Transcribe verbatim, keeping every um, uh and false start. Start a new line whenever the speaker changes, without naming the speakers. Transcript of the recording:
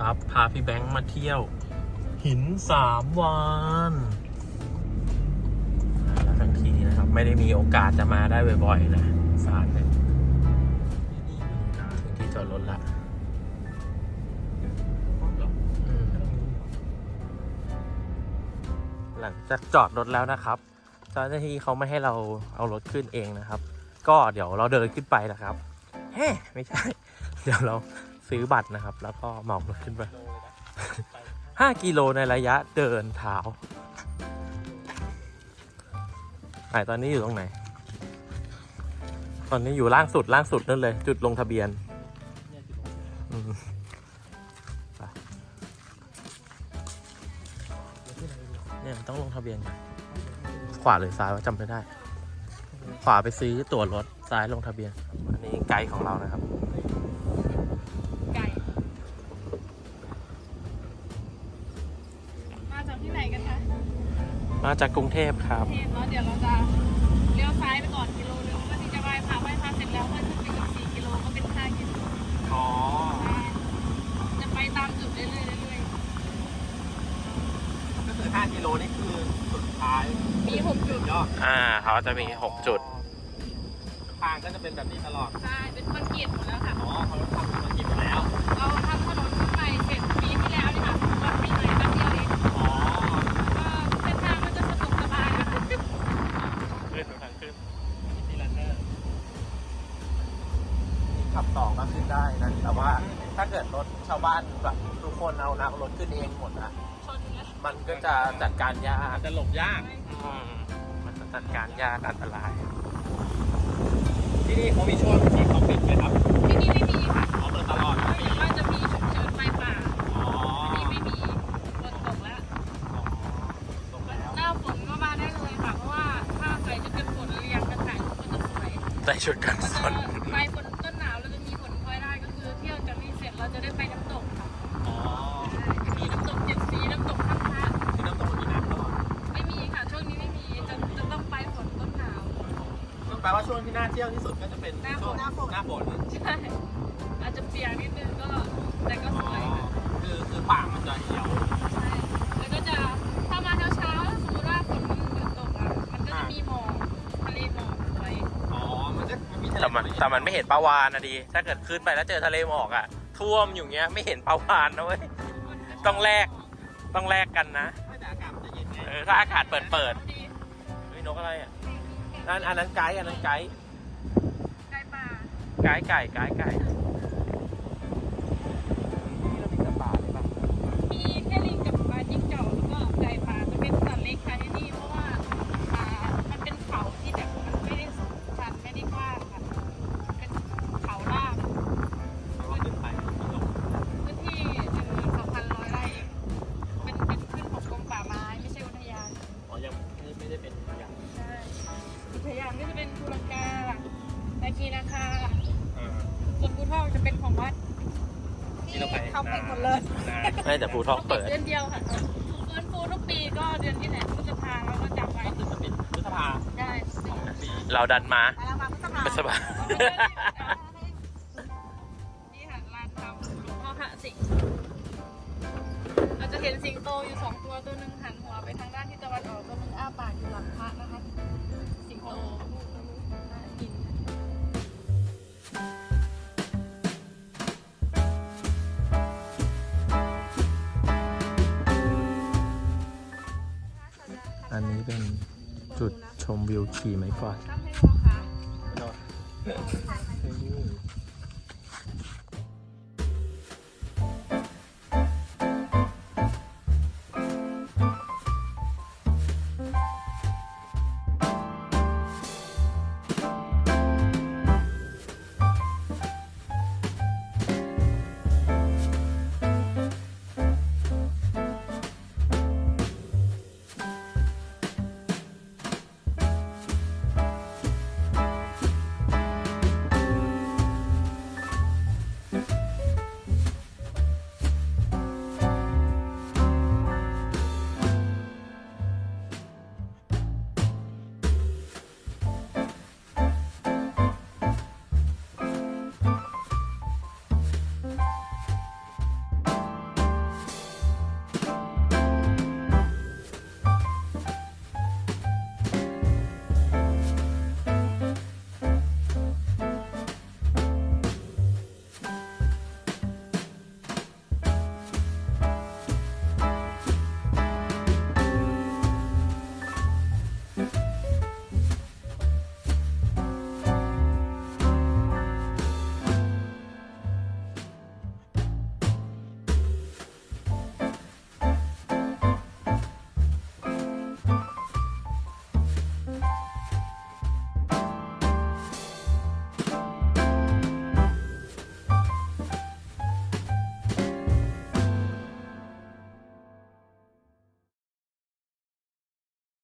ครับพาพี่แบงค์มาเที่ยวหินสามวานแล้วทั้งทีนะครับไม่ได้มีโอกาสจะมาได้บ่อยๆนะสารเนี่ยถึงที่จอดรถละหลังจากจอดรถแล้วนะครับเจ้าหน้าที่เขาไม่ให้เราเอารถขึ้นเองนะครับก็เดี๋ยวเราเดินขึ้นไปนะครับเฮ้ไม่ใช่เดี๋ยวเราซื้อบัตรนะครับแล้วก็เหมารถขึ้นไปห้ากิโลในระยะเดินเท้าไหนตอนนี้อยู่ตรงไหนตอนนี้อยู่ล่างสุดล่างสุดนั่นเลยจุดลงทะเบียนเนี่ยต้องลงทะเบียนขวาหรือซ้ายว่าจำไม่ได้ขวาไปซื้อตั๋วรถซ้ายลงทะเบียนอันนี้ไกด์ของเรานะครับ
ไก่มาจากที่ไหนกันคะ
มาจากกรุงเทพครับ
เทพแล้วเดี๋ยวเราจะเลี้ยวซ้ายไปก่อนกิโลนึงเพื่อที่จะไหว้พระไหว้พระเสร็จแล้วเพื่อขึ้นไปอีกสี่กิโลก็เป็นห้ากิโล
อ๋อ
จะไปตามจุดเรื่อยๆเรื่อย
ๆก็คือห้ากิโลนี่คือสุดท้าย
มีหกจุด
อ่าเขาจะมีหกจุดทางก็จะเป็นแบบนี้ตลอด
ใช่เป็นคอนกรีตหมดแล้วค่ะ
อ๋อเขาทำคอนกรีตหมดแล้ว
เราทำถนนขึ้นไปเสร็จปีที่แล้วนี่ค่ะวันปีใหม่ตั้งเดียวเอง
อ๋อ
ก็เส้นทางมันจะสะดวกสบายนะคะ
ขึ้นทางขึ้นที่ลันเนอร์ขับต่อก็ขึ้นได้นะแต่ว่าถ้าเกิดรถชาวบ้านแบบทุกคนเอานักรถขึ้นเองหมดนะมันก็จะจัดการยากจะหลบยากมันจะจัดการยากอันตรายที่นี่เขามีช่วงที่เขาปิดไหมครับ
ที่นี่ไม่มีค่ะ
เขาเปิดตลอด
ไม่ว่าจะมีฉุกเฉินไฟป่า
อ๋อ
ที่นี่ไม่มีฝนตกแล้ว
ตกแล้ว
หน้าฝนก็มาได้เลยค่ะเพราะว่าถ้าใส่ชุดกันฝนเรียงกันถ่ายรูปก็จะสวย
ใส่ชุดกันฝน
ไปฝนต้นหนาวเราจะมีฝนพลอยได้ก็คือเที่ยวจากนี้เสร็จเราจะได้ไปน้ำตกค่ะ
อ๋อ
มีน้ำตกเจ็ดสีน้ำตกท่าพระ
ที่น้ำตกมีน้ำตลอด
ไม่มีค่ะช่วงนี้ไม่มีจะจะต้องไปฝนต้นหนาว
แปลว่าช่วงที่น่าเที่ยวที่สุดก็จะเป็น
หน้าฝน
หน้าฝนหน้าฝน
ใช่อาจจะเปียกนิดนึงก็แต่ก็สวย
คือคือป่ามันจะเหี่ยว
ใช่แล้วก็จะถ้ามาเช้าเช้าสมมติว่าฝนมันหยุดตกอ่ะมันก็จะมีหมอกทะเลหมอกสวย
อ๋อมันจะมีแต่มันแต่มันไม่เห็นปลาวาฬนะดีถ้าเกิดขึ้นไปแล้วเจอทะเลหมอกอ่ะท่วมอยู่เงี้ยไม่เห็นปลาวาฬนะเว้ยต้องแลกต้องแลกกันนะ
แต่อากาศมันจะเย็นไง
เออถ้าอากาศเปิดเปิดเฮ้ยนกอะไรอ่ะนั่นอันนั้นไก่อันนั้นไก่
ไก่ป่า
ไก่ไก่ไก่ไก่
มีแค่ลิงกับปลาจิ้งจอกแล้วก็ไก่ป่าจะเป็นสัตว์เล็กค่ะที่นี่เพราะว่าอ่ามันเป็นเขาที่แบบมันไม่ได้สูงชันไม่ได้กว้างค่ะเป็นเขาลาดพื้นที่หนึ่งหมื่นสองพันร้อยไร่เป็นเป็นขึ้นของกรมป่าไม้ไม่ใช่อุทยาน
อ๋อยังไม่ได้เป็นอุทยาน
ใช่อุทยานก็จะเป็นภูลังกาตะกีนาคาส่วนภูทอกจะเป็นของวัดที่เขาปิดหมดเลย
ไม่แต่ภูทอกเปิด
เดือนเดียวค่ะฟื้นฟูทุกปีก็เดือนที่ไหนพฤษภาเราก็จำไว้
ก็คือจะปิดพฤษภา
ได้
เราดันมา
พฤษภานี่ค่ะลานทำหลวงพ่อพระสิงห์เราจะเห็นสิงโตอยู่สองตัวตัวหนึ่งหันหัวไปทางด้านทิศตะวันออกตัวหนึ่งอ้าปากอยู่หลังพระนะคะสิงโต
อันนี้เป็นจุดชมวิวขี่ไม้กวาด